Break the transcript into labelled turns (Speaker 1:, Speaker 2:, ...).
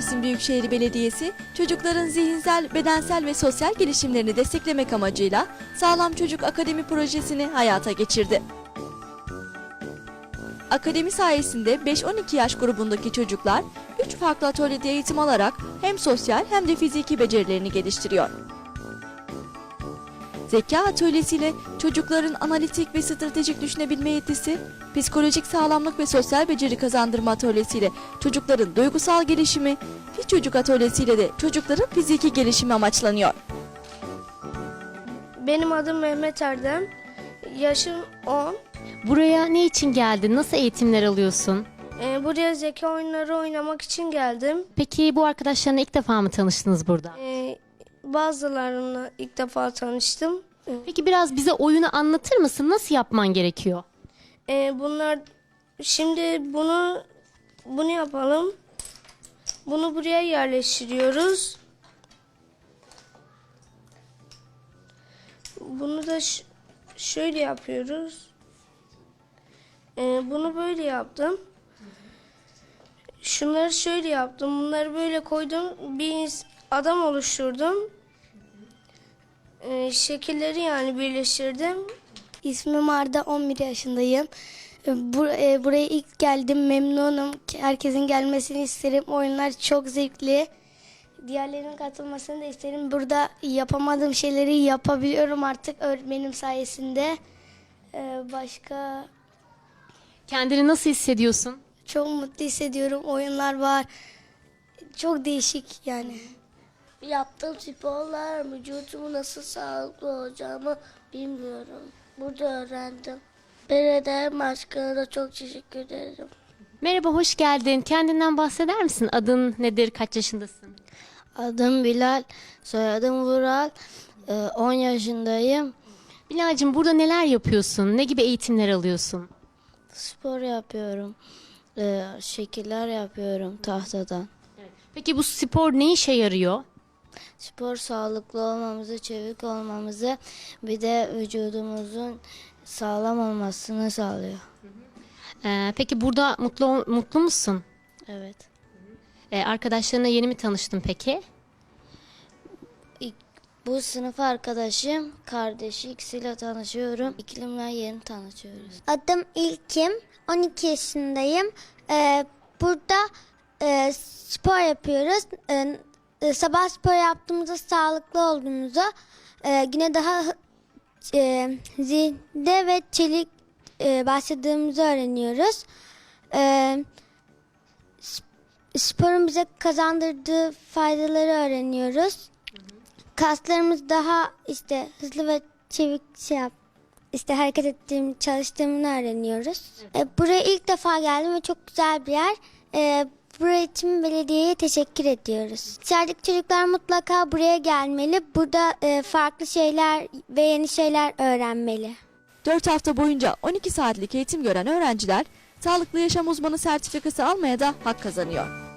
Speaker 1: Mersin Büyükşehir Belediyesi, çocukların zihinsel, bedensel ve sosyal gelişimlerini desteklemek amacıyla Sağlam Çocuk Akademi projesini hayata geçirdi. Akademi sayesinde 5-12 yaş grubundaki çocuklar 3 farklı atölyede eğitim alarak hem sosyal hem de fiziki becerilerini geliştiriyor. Zeka atölyesiyle çocukların analitik ve stratejik düşünebilme yetisi, psikolojik sağlamlık ve sosyal beceri kazandırma atölyesiyle çocukların duygusal gelişimi, Fi Çocuk atölyesiyle de çocukların fiziki gelişimi amaçlanıyor.
Speaker 2: Benim adım Mehmet Erdem. Yaşım 10.
Speaker 3: Buraya ne için geldin? Nasıl eğitimler alıyorsun?
Speaker 2: Buraya zeka oyunları oynamak için geldim.
Speaker 3: Peki bu arkadaşlarına ilk defa mı tanıştınız burada?
Speaker 2: Bazılarına ilk defa tanıştım.
Speaker 3: Peki biraz bize oyunu anlatır mısın? Nasıl yapman gerekiyor?
Speaker 2: Şimdi bunu yapalım. Bunu buraya yerleştiriyoruz. Bunu da şöyle yapıyoruz. Bunu böyle yaptım. Şunları şöyle yaptım. Bunları böyle koydum. Bir adam oluşturdum. Şekilleri yani birleştirdim.
Speaker 4: İsmim Arda, 11 yaşındayım. Buraya ilk geldim, memnunum. Herkesin gelmesini isterim. Oyunlar çok zevkli. Diğerlerinin katılmasını da isterim. Burada yapamadığım şeyleri yapabiliyorum artık öğretmenim sayesinde. Başka
Speaker 3: Kendini nasıl hissediyorsun?
Speaker 4: çok mutlu hissediyorum. Oyunlar var. Çok değişik yani.
Speaker 5: Yaptığım sporlar vücudumu nasıl sağlıklı olacağımı bilmiyorum. Burada öğrendim. Belediye başkanına da çok teşekkür ederim.
Speaker 3: Merhaba, hoş geldin. Kendinden bahseder misin? Adın nedir? Kaç yaşındasın?
Speaker 4: Adım Bilal, soyadım Vural. 10 yaşındayım.
Speaker 3: Bilal'cim, burada neler yapıyorsun? Ne gibi eğitimler alıyorsun?
Speaker 4: Spor yapıyorum. Şekiller yapıyorum tahtadan.
Speaker 3: Peki bu spor ne işe yarıyor?
Speaker 4: Spor sağlıklı olmamızı, çevik olmamızı, bir de vücudumuzun sağlam olmasını sağlıyor.
Speaker 3: Peki burada mutlu musun?
Speaker 4: Evet.
Speaker 3: Arkadaşlarına yeni mi tanıştın peki?
Speaker 4: Bu sınıf arkadaşım, kardeşi, ikisiyle tanışıyorum. İklimle yeni tanışıyoruz.
Speaker 6: Adım İlkim, 12 yaşındayım. Burada spor yapıyoruz. Sabah spor yaptığımızda sağlıklı olduğumuzu, güne daha zinde ve çelik başladığımızı öğreniyoruz. Sporun bize kazandırdığı faydaları öğreniyoruz. Kaslarımız daha hızlı ve çevik hareket çalıştığımını öğreniyoruz. Buraya ilk defa geldim ve çok güzel bir yer. Buraya için belediyeye teşekkür ediyoruz. Dışarıdaki çocuklar mutlaka buraya gelmeli. Burada farklı şeyler ve yeni şeyler öğrenmeli.
Speaker 1: 4 hafta boyunca 12 saatlik eğitim gören öğrenciler, sağlıklı yaşam uzmanı sertifikası almaya da hak kazanıyor.